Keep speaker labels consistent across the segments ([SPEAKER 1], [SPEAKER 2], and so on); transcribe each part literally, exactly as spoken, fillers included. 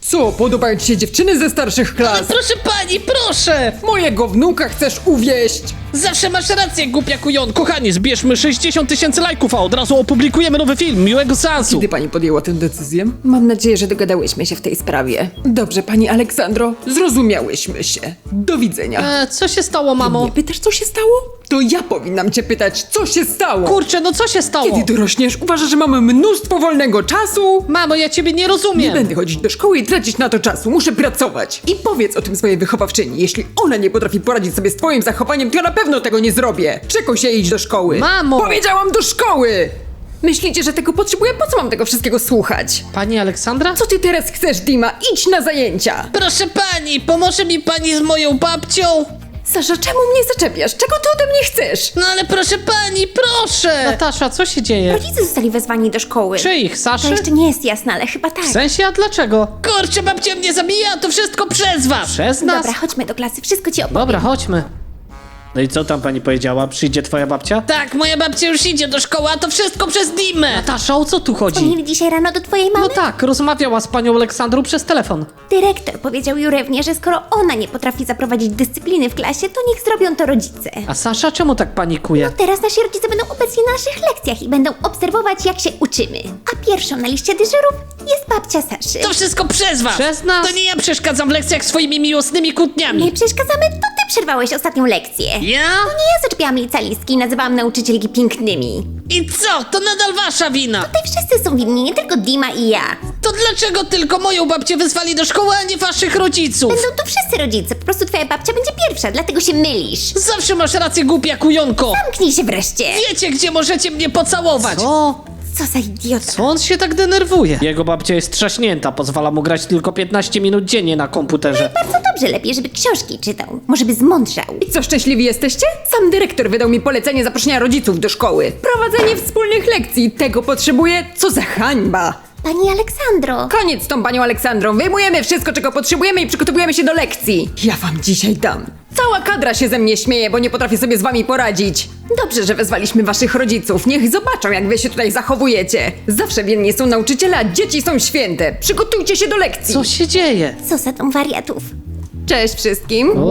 [SPEAKER 1] Co, podobają ci się dziewczyny ze starszych
[SPEAKER 2] Ale
[SPEAKER 1] klas?
[SPEAKER 2] proszę pani, proszę!
[SPEAKER 1] Mojego wnuka chcesz uwieść?
[SPEAKER 2] Zawsze masz rację, głupia kujon. Kochani, zbierzmy sześćdziesiąt tysięcy lajków, a od razu opublikujemy nowy film. Miłego seansu.
[SPEAKER 1] Kiedy pani podjęła tę decyzję? Mam nadzieję, że dogadałyśmy się w tej sprawie. Dobrze, pani Aleksandro, zrozumiałyśmy się. Do widzenia.
[SPEAKER 2] E, co się stało, mamo?
[SPEAKER 1] Nie pytasz, co się stało? To ja powinnam cię pytać, co się stało?
[SPEAKER 2] Kurczę, no co się stało?
[SPEAKER 1] Kiedy dorośniesz, uważasz, że mamy mnóstwo wolnego czasu?
[SPEAKER 2] Mamo, ja ciebie nie
[SPEAKER 1] Nie
[SPEAKER 2] rozumiem.
[SPEAKER 1] będę chodzić do szkoły i tracić na to czasu, muszę pracować. I powiedz o tym swojej wychowawczyni. Jeśli ona nie potrafi poradzić sobie z twoim zachowaniem, to ja na pewno tego nie zrobię. Czekaj się iść do szkoły.
[SPEAKER 2] Mamo!
[SPEAKER 1] Powiedziałam do szkoły! Myślicie, że tego potrzebuję? Po co mam tego wszystkiego słuchać?
[SPEAKER 2] Pani Aleksandra?
[SPEAKER 1] Co ty teraz chcesz, Dima? Idź na zajęcia!
[SPEAKER 2] Proszę pani, pomoże mi pani z moją babcią?
[SPEAKER 1] Sasza, czemu mnie zaczepiasz? Czego ty ode mnie chcesz?
[SPEAKER 2] No ale proszę pani, proszę! Natasza, co się dzieje?
[SPEAKER 3] Rodzice zostali wezwani do szkoły.
[SPEAKER 2] Czyich,
[SPEAKER 3] To
[SPEAKER 2] Saszy?
[SPEAKER 3] jeszcze nie jest jasne, ale chyba tak.
[SPEAKER 2] W sensie, a dlaczego? Kurczę, babcia mnie zabija, to wszystko przez was! Przez nas?
[SPEAKER 3] Dobra, chodźmy do klasy, wszystko ci opowiem.
[SPEAKER 2] Dobra, chodźmy.
[SPEAKER 4] No i co tam pani powiedziała? Przyjdzie twoja babcia?
[SPEAKER 2] Tak, moja babcia już idzie do szkoły, a to wszystko przez Dimę!
[SPEAKER 4] Natasza, o co tu chodzi?
[SPEAKER 3] Dzwonili dzisiaj rano do twojej mamy?
[SPEAKER 2] No tak, rozmawiała z panią Aleksandrą przez telefon.
[SPEAKER 3] Dyrektor powiedział Jurewnie, że skoro ona nie potrafi zaprowadzić dyscypliny w klasie, to niech zrobią to rodzice.
[SPEAKER 2] A Sasza czemu tak panikuje?
[SPEAKER 3] Teraz nasi rodzice będą obecni na naszych lekcjach i będą obserwować, jak się uczymy. A pierwszą na liście dyżurów jest babcia Saszy.
[SPEAKER 2] To wszystko przez was!
[SPEAKER 4] Przez nas?
[SPEAKER 2] To nie ja przeszkadzam w lekcjach swoimi miłosnymi kłótniami.
[SPEAKER 3] Nie przeszkadzamy, to ty przerwałeś ostatnią lekcję.
[SPEAKER 2] Ja?
[SPEAKER 3] To nie ja zaczepiałam licealistki i nazywałam nauczycielki pięknymi.
[SPEAKER 2] I co? To nadal wasza wina!
[SPEAKER 3] Tutaj wszyscy są winni, nie tylko Dima i ja.
[SPEAKER 2] To dlaczego tylko moją babcię wezwali do szkoły, a nie waszych rodziców?
[SPEAKER 3] Będą tu wszyscy rodzice, po prostu twoja babcia będzie pierwsza, dlatego się mylisz.
[SPEAKER 2] Zawsze masz rację, głupia kujonko!
[SPEAKER 3] Zamknij się wreszcie.
[SPEAKER 2] Wiecie, gdzie możecie mnie pocałować!
[SPEAKER 4] O,
[SPEAKER 3] Co za idiota.
[SPEAKER 2] Co on się tak denerwuje?
[SPEAKER 4] jego babcia jest trzaśnięta, pozwala mu grać tylko piętnaście minut dziennie na komputerze.
[SPEAKER 3] Bardzo dobrze, lepiej, żeby książki czytał. Może by zmądrzał.
[SPEAKER 1] I co, szczęśliwi jesteście? Sam dyrektor wydał mi polecenie zaproszenia rodziców do szkoły. Prowadzenie wspólnych lekcji. Tego potrzebuję? Co za hańba!
[SPEAKER 3] Pani Aleksandro.
[SPEAKER 1] Koniec z tą panią Aleksandrą. Wyjmujemy wszystko, czego potrzebujemy i przygotowujemy się do lekcji. Ja wam dzisiaj dam. Cała kadra się ze mnie śmieje, bo nie potrafię sobie z wami poradzić. Dobrze, że wezwaliśmy waszych rodziców. Niech zobaczą, jak wy się tutaj zachowujecie. Zawsze winni są nauczyciele, a dzieci są święte. Przygotujcie się do lekcji.
[SPEAKER 2] Co się dzieje?
[SPEAKER 3] Co za tą wariatów.
[SPEAKER 1] Cześć wszystkim.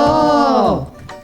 [SPEAKER 4] Wow.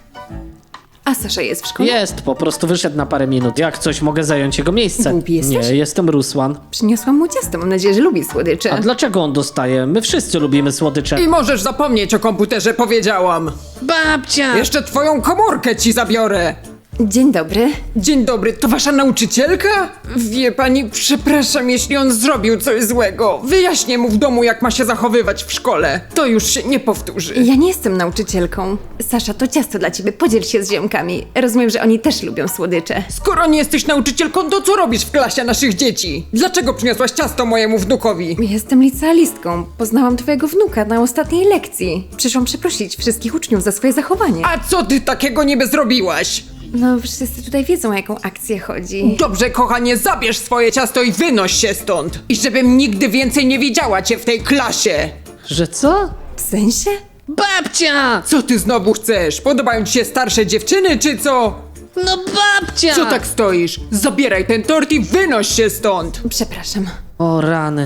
[SPEAKER 1] A Sasza jest w szkole?
[SPEAKER 4] Jest, po prostu wyszedł na parę minut. Jak coś, mogę zająć jego miejsce.
[SPEAKER 1] Głupi jesteś?
[SPEAKER 4] Nie, jestem Rusłan.
[SPEAKER 1] Przyniosłam mu ciasto. Mam nadzieję, że lubi słodycze.
[SPEAKER 4] A dlaczego on dostaje? My wszyscy lubimy słodycze.
[SPEAKER 1] I możesz zapomnieć o komputerze, powiedziałam.
[SPEAKER 2] Babcia!
[SPEAKER 1] Jeszcze twoją komórkę ci zabiorę. Dzień dobry. Dzień dobry, to wasza nauczycielka? Wie pani, przepraszam, jeśli on zrobił coś złego. Wyjaśnię mu w domu, jak ma się zachowywać w szkole. To już się nie powtórzy.
[SPEAKER 5] Ja nie jestem nauczycielką. Sasza, to ciasto dla ciebie. Podziel się z ziomkami. Rozumiem, że oni też lubią słodycze.
[SPEAKER 1] Skoro nie jesteś nauczycielką, to co robisz w klasie naszych dzieci? Dlaczego przyniosłaś ciasto mojemu wnukowi?
[SPEAKER 5] Jestem licealistką. Poznałam twojego wnuka na ostatniej lekcji. Przyszłam przeprosić wszystkich uczniów za swoje zachowanie.
[SPEAKER 1] A co ty takiego niby zrobiłaś?
[SPEAKER 5] No, wszyscy tutaj wiedzą, o jaką akcję chodzi.
[SPEAKER 1] Dobrze, kochanie, zabierz swoje ciasto i wynoś się stąd. I żebym nigdy więcej nie widziała cię w tej klasie.
[SPEAKER 4] Że co?
[SPEAKER 5] W sensie?
[SPEAKER 2] Babcia!
[SPEAKER 1] Co ty znowu chcesz? Podobają ci się starsze dziewczyny, czy co?
[SPEAKER 2] No babcia!
[SPEAKER 1] Co tak stoisz? Zabieraj ten tort i wynoś się stąd!
[SPEAKER 5] Przepraszam.
[SPEAKER 4] O rany.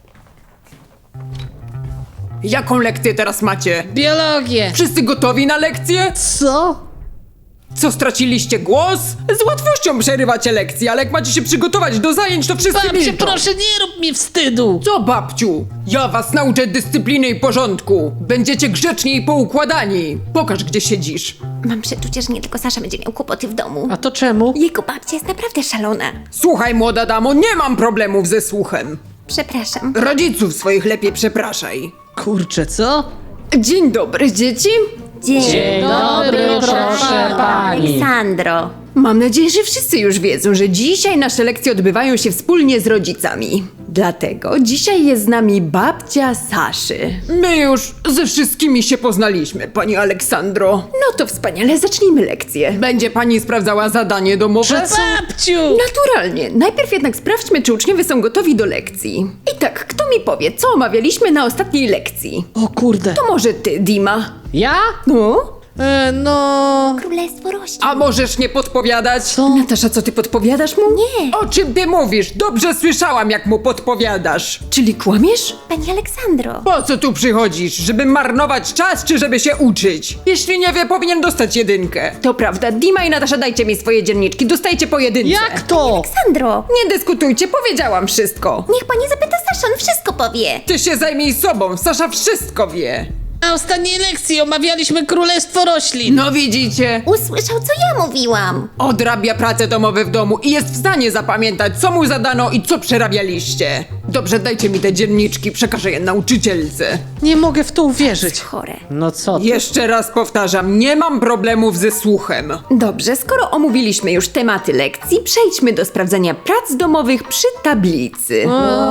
[SPEAKER 1] Jaką lekcję teraz macie?
[SPEAKER 2] Biologię!
[SPEAKER 1] Wszyscy gotowi na lekcję?
[SPEAKER 4] Co?
[SPEAKER 1] Co, straciliście głos? Z łatwością przerywacie lekcje, ale jak macie się przygotować do zajęć, to wszyscy
[SPEAKER 2] Babcia,
[SPEAKER 1] milczą.
[SPEAKER 2] proszę, nie rób mi wstydu!
[SPEAKER 1] Co, babciu? Ja was nauczę dyscypliny i porządku. Będziecie grzeczni i poukładani. Pokaż, gdzie siedzisz.
[SPEAKER 3] Mam przeczucie, że nie tylko Sasza będzie miał kłopoty w domu.
[SPEAKER 4] A to czemu?
[SPEAKER 3] Jego babcia jest naprawdę szalona.
[SPEAKER 1] Słuchaj, młoda damo, nie mam problemów ze słuchem.
[SPEAKER 3] Przepraszam.
[SPEAKER 1] Rodziców swoich lepiej przepraszaj.
[SPEAKER 4] Kurczę, co?
[SPEAKER 1] Dzień dobry, dzieci.
[SPEAKER 3] Dzień,
[SPEAKER 4] dobry, proszę pani.
[SPEAKER 3] Aleksandro.
[SPEAKER 1] Mam nadzieję, że wszyscy już wiedzą, że dzisiaj nasze lekcje odbywają się wspólnie z rodzicami. Dlatego dzisiaj jest z nami babcia Saszy. My już ze wszystkimi się poznaliśmy, pani Aleksandro. No to wspaniale, zacznijmy lekcję. Będzie pani sprawdzała zadanie domowe?
[SPEAKER 2] Babciu!
[SPEAKER 1] Naturalnie. Najpierw jednak sprawdźmy, czy uczniowie są gotowi do lekcji. I tak, kto mi powie, co omawialiśmy na ostatniej lekcji?
[SPEAKER 4] O kurde.
[SPEAKER 1] To może ty, Dima.
[SPEAKER 4] Ja?
[SPEAKER 1] No?
[SPEAKER 2] E, no...
[SPEAKER 3] Królestwo roślin.
[SPEAKER 1] A możesz nie podpowiadać?
[SPEAKER 2] Co?
[SPEAKER 5] Natasza, co ty podpowiadasz mu?
[SPEAKER 3] Nie,
[SPEAKER 1] O czym ty mówisz? Dobrze słyszałam, jak mu podpowiadasz.
[SPEAKER 5] Czyli kłamiesz?
[SPEAKER 3] pani Aleksandro.
[SPEAKER 1] Po co tu przychodzisz? Żeby marnować czas, czy żeby się uczyć? Jeśli nie wie, powinien dostać jedynkę.
[SPEAKER 5] To prawda, Dima i Natasza, dajcie mi swoje dzienniczki, dostajcie po jedynce.
[SPEAKER 2] Jak to?
[SPEAKER 3] Aleksandro,
[SPEAKER 1] Nie dyskutujcie, powiedziałam wszystko.
[SPEAKER 3] niech pani zapyta Saszę, on wszystko powie.
[SPEAKER 1] Ty się zajmij sobą, Sasza wszystko wie.
[SPEAKER 2] Na ostatniej lekcji omawialiśmy Królestwo Roślin.
[SPEAKER 1] No widzicie?
[SPEAKER 3] Usłyszał, co ja mówiłam.
[SPEAKER 1] Odrabia prace domowe w domu i jest w stanie zapamiętać, co mu zadano i co przerabialiście. Dobrze, dajcie mi te dzienniczki, przekażę je nauczycielce.
[SPEAKER 2] Nie mogę w to uwierzyć.
[SPEAKER 3] Chore.
[SPEAKER 4] No co ty?
[SPEAKER 1] Jeszcze raz powtarzam, nie mam problemów ze słuchem.
[SPEAKER 5] Dobrze, skoro omówiliśmy już tematy lekcji, przejdźmy do sprawdzenia prac domowych przy tablicy.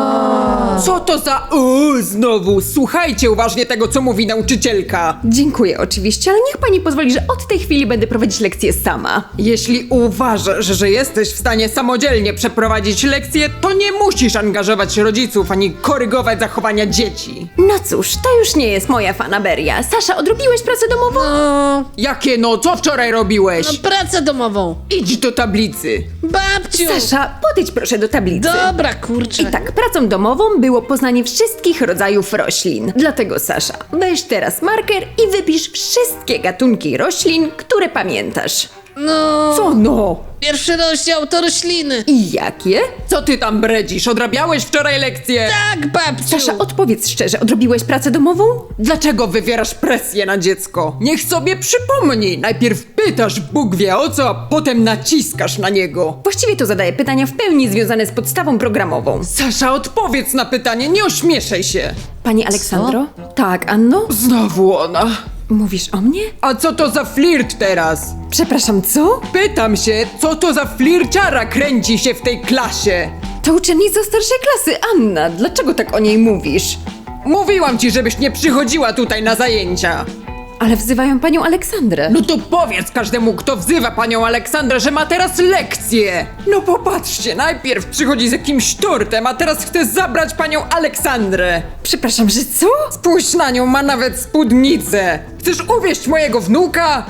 [SPEAKER 1] Co to za o znowu? Słuchajcie uważnie tego, co mówi nauczycielka.
[SPEAKER 5] Dziękuję oczywiście, ale niech pani pozwoli, że od tej chwili będę prowadzić lekcję sama.
[SPEAKER 1] Jeśli uważasz, że jesteś w stanie samodzielnie przeprowadzić lekcję, to nie musisz angażować rodziców ani korygować zachowania dzieci.
[SPEAKER 5] No cóż, to już nie jest moja fanaberia. Sasza, odrobiłeś pracę domową?
[SPEAKER 2] No,
[SPEAKER 1] Jakie no? Co wczoraj robiłeś?
[SPEAKER 2] no pracę domową.
[SPEAKER 1] Idź do tablicy.
[SPEAKER 2] Babciu!
[SPEAKER 5] Sasza, podejdź proszę do tablicy.
[SPEAKER 2] Dobra, kurczę.
[SPEAKER 5] I tak, pracą domową było poznanie wszystkich rodzajów roślin. Dlatego, Sasza, weź teraz marker i wypisz wszystkie gatunki roślin, które pamiętasz.
[SPEAKER 2] No,
[SPEAKER 1] Co no?
[SPEAKER 2] pierwszy rozdział to rośliny.
[SPEAKER 5] I jakie?
[SPEAKER 1] Co ty tam bredzisz? Odrabiałeś wczoraj lekcję?
[SPEAKER 2] Tak, babciu.
[SPEAKER 5] Sasza, odpowiedz szczerze, odrobiłeś pracę domową?
[SPEAKER 1] Dlaczego wywierasz presję na dziecko? Niech sobie przypomni. Najpierw pytasz Bóg wie o co, a potem naciskasz na niego.
[SPEAKER 5] Właściwie to zadaję pytania w pełni związane z podstawą programową.
[SPEAKER 1] Sasza, odpowiedz na pytanie, nie ośmieszaj się.
[SPEAKER 5] Pani Aleksandro? Tak, Anno?
[SPEAKER 1] Znowu ona.
[SPEAKER 5] Mówisz o mnie?
[SPEAKER 1] A co to za flirt teraz?
[SPEAKER 5] Przepraszam, co?
[SPEAKER 1] Pytam się, co to za flirciara kręci się w tej klasie?
[SPEAKER 5] To uczennica starszej klasy, Anna. Dlaczego tak o niej mówisz?
[SPEAKER 1] Mówiłam ci, żebyś nie przychodziła tutaj na zajęcia.
[SPEAKER 5] Ale wzywają panią Aleksandrę.
[SPEAKER 1] No to powiedz każdemu, kto wzywa panią Aleksandrę, że ma teraz lekcję. No popatrzcie, najpierw przychodzi z jakimś tortem, a teraz chce zabrać panią Aleksandrę.
[SPEAKER 5] Przepraszam, że co?
[SPEAKER 1] Spójrz na nią, ma nawet spódnicę. Chcesz uwieść mojego wnuka?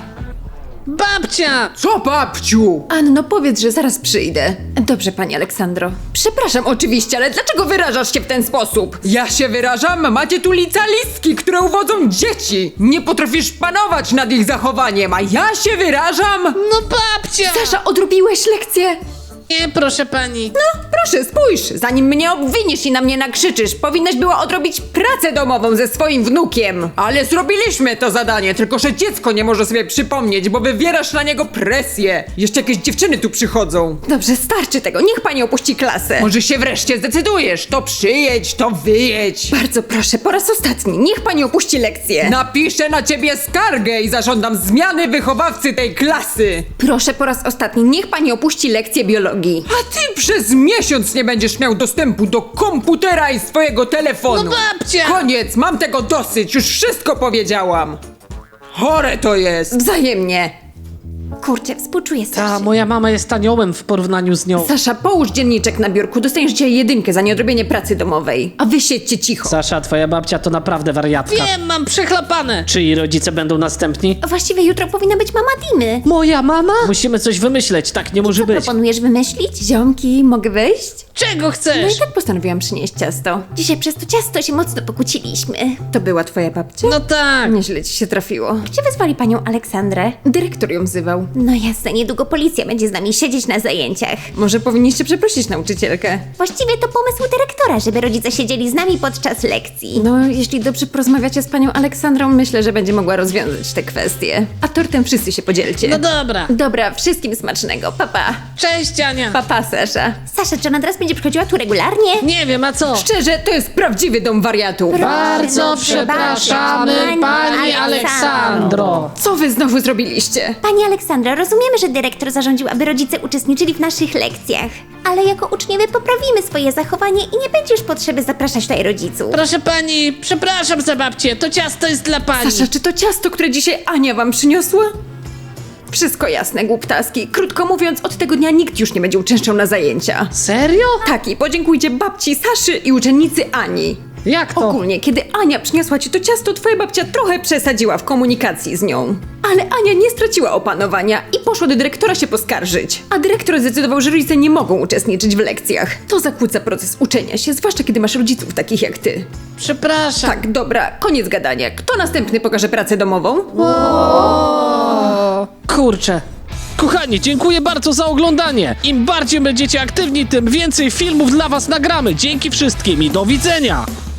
[SPEAKER 2] Babcia!
[SPEAKER 1] Co, babciu?
[SPEAKER 5] Anno, powiedz, że zaraz przyjdę. Dobrze, pani Aleksandro. Przepraszam oczywiście, ale dlaczego wyrażasz się w ten sposób?
[SPEAKER 1] Ja się wyrażam, macie tu licealistki, które uwodzą dzieci. Nie potrafisz panować nad ich zachowaniem, a ja się wyrażam?
[SPEAKER 2] No babcia!
[SPEAKER 5] Sasza, odrobiłeś lekcję?
[SPEAKER 2] Nie, proszę pani.
[SPEAKER 5] No, proszę, spójrz. Zanim mnie obwiniesz i na mnie nakrzyczysz, powinnaś była odrobić pracę domową ze swoim wnukiem.
[SPEAKER 1] Ale zrobiliśmy to zadanie, tylko że dziecko nie może sobie przypomnieć, bo wywierasz na niego presję. Jeszcze jakieś dziewczyny tu przychodzą.
[SPEAKER 5] Dobrze, starczy tego. Niech pani opuści klasę.
[SPEAKER 1] Może się wreszcie zdecydujesz, to przyjedź, to wyjedź.
[SPEAKER 5] Bardzo proszę, po raz ostatni, niech pani opuści lekcję.
[SPEAKER 1] Napiszę na ciebie skargę i zażądam zmiany wychowawcy tej klasy.
[SPEAKER 5] Proszę po raz ostatni, niech pani opuści lekcję biologii.
[SPEAKER 1] A ty przez miesiąc nie będziesz miał dostępu do komputera i swojego telefonu.
[SPEAKER 2] No babcia!
[SPEAKER 1] Koniec, mam tego dosyć, już wszystko powiedziałam. Chore to jest.
[SPEAKER 5] Wzajemnie.
[SPEAKER 3] Kurczę, współczuję
[SPEAKER 4] Ta
[SPEAKER 3] Saszy.
[SPEAKER 4] moja mama jest aniołem w porównaniu z nią.
[SPEAKER 5] Sasza, połóż dzienniczek na biurku, dostaniesz dzisiaj jedynkę za nieodrobienie pracy domowej. A wy siedźcie cicho.
[SPEAKER 4] Sasza, twoja babcia to naprawdę wariatka.
[SPEAKER 2] Wiem, mam przechlapane.
[SPEAKER 4] Czyj rodzice będą następni?
[SPEAKER 3] Właściwie jutro powinna być mama Dimy.
[SPEAKER 4] Moja mama? Musimy coś wymyśleć, tak nie może być.
[SPEAKER 3] Proponujesz wymyślić?
[SPEAKER 5] Ziomki, mogę wejść?
[SPEAKER 2] Czego
[SPEAKER 5] No i
[SPEAKER 2] chcesz?
[SPEAKER 5] tak postanowiłam przynieść ciasto.
[SPEAKER 3] Dzisiaj przez to ciasto się mocno pokłóciliśmy.
[SPEAKER 5] To była twoja babcia?
[SPEAKER 2] No tak.
[SPEAKER 5] Nieźle ci się trafiło.
[SPEAKER 3] Gdzie wezwali panią Aleksandrę?
[SPEAKER 5] Dyrektor ją wzywał.
[SPEAKER 3] No jasne, niedługo policja będzie z nami siedzieć na zajęciach.
[SPEAKER 5] Może powinniście przeprosić nauczycielkę.
[SPEAKER 3] Właściwie to pomysł dyrektora, żeby rodzice siedzieli z nami podczas lekcji.
[SPEAKER 5] No, jeśli dobrze porozmawiacie z panią Aleksandrą, myślę, że będzie mogła rozwiązać te kwestie. A tortem wszyscy się podzielcie.
[SPEAKER 2] No dobra.
[SPEAKER 5] Dobra, wszystkim smacznego. Papa. Pa.
[SPEAKER 2] Cześć, Ania.
[SPEAKER 5] Papa, Sasza.
[SPEAKER 3] Sasza, czy ona teraz będzie przychodziła tu regularnie?
[SPEAKER 2] Nie wiem, a co?
[SPEAKER 1] Szczerze, to jest prawdziwy dom wariatów.
[SPEAKER 2] Bardzo przepraszamy, pani Aleksandro.
[SPEAKER 5] Co wy znowu zrobiliście?
[SPEAKER 3] Pani Aleksandra, rozumiemy, że dyrektor zarządził, aby rodzice uczestniczyli w naszych lekcjach. Ale jako uczniowie poprawimy swoje zachowanie i nie będzie już potrzeby zapraszać tutaj rodziców.
[SPEAKER 2] Proszę pani, przepraszam za babcię, to ciasto jest dla pani.
[SPEAKER 5] Sasza, czy to ciasto, które dzisiaj Ania wam przyniosła? Wszystko jasne, głuptaski. Krótko mówiąc, od tego dnia nikt już nie będzie uczęszczał na zajęcia.
[SPEAKER 2] Serio?
[SPEAKER 5] Tak, i podziękujcie babci Saszy i uczennicy Ani.
[SPEAKER 4] Jak to?
[SPEAKER 5] Ogólnie, kiedy Ania przyniosła ci to ciasto, twoja babcia trochę przesadziła w komunikacji z nią. Ale Ania nie straciła opanowania i poszła do dyrektora się poskarżyć. A dyrektor zdecydował, że rodzice nie mogą uczestniczyć w lekcjach. To zakłóca proces uczenia się, zwłaszcza kiedy masz rodziców takich jak ty.
[SPEAKER 4] Przepraszam.
[SPEAKER 5] Tak, dobra, koniec gadania. Kto następny pokaże pracę domową?
[SPEAKER 4] Kurczę.
[SPEAKER 2] Kochani, dziękuję bardzo za oglądanie. Im bardziej będziecie aktywni, tym więcej filmów dla was nagramy. Dzięki wszystkim i do widzenia.